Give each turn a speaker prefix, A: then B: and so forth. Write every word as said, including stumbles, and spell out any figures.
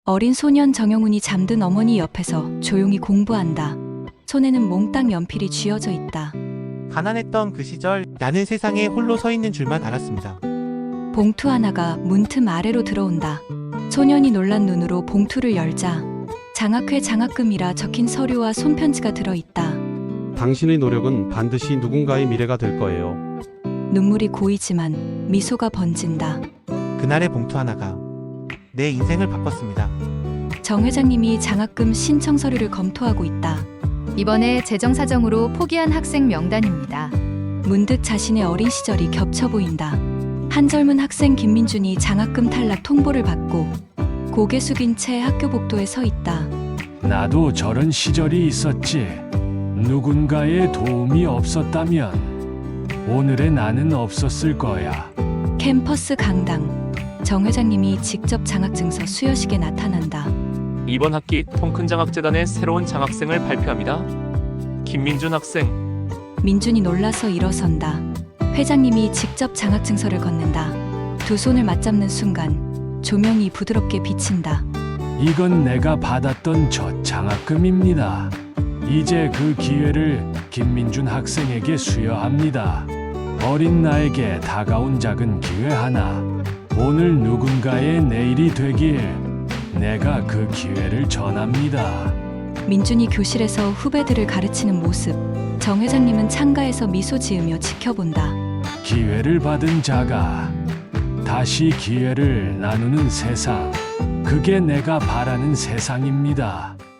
A: 어린 소년 정영훈이 잠든 어머니 옆에서 조용히 공부한다. 손에는 몽땅 연필이 쥐어져 있다.
B: 가난했던 그 시절 나는 세상에 홀로 서 있는 줄만 알았습니다.
A: 봉투 하나가 문틈 아래로 들어온다. 소년이 놀란 눈으로 봉투를 열자 장학회 장학금이라 적힌 서류와 손편지가 들어있다.
C: 당신의 노력은 반드시 누군가의 미래가 될 거예요.
A: 눈물이 고이지만 미소가 번진다.
B: 그날의 봉투 하나가 내 인생을 바꿨습니다.
A: 정 회장님이 장학금 신청 서류를 검토하고 있다.
D: 이번에 재정 사정으로 포기한 학생 명단입니다.
A: 문득 자신의 어린 시절이 겹쳐 보인다. 한 젊은 학생 김민준이 장학금 탈락 통보를 받고 고개 숙인 채 학교 복도에 서 있다.
E: 나도 저런 시절이 있었지. 누군가의 도움이 없었다면 오늘의 나는 없었을 거야.
A: 캠퍼스 강당. 정 회장님이 직접 장학증서 수여식에 나타난다.
F: 이번 학기 통큰 장학재단의 새로운 장학생을 발표합니다. 김민준 학생.
A: 민준이 놀라서 일어선다. 회장님이 직접 장학증서를 건넨다. 두 손을 맞잡는 순간 조명이 부드럽게 비친다.
E: 이건 내가 받았던 첫 장학금입니다. 이제 그 기회를 김민준 학생에게 수여합니다. 어린 나에게 다가온 작은 기회 하나. 오늘 누군가의 내일이 되길 내가 그 기회를 전합니다.
A: 민준이 교실에서 후배들을 가르치는 모습. 정 회장님은 창가에서 미소 지으며 지켜본다.
E: 기회를 받은 자가 다시 기회를 나누는 세상. 그게 내가 바라는 세상입니다.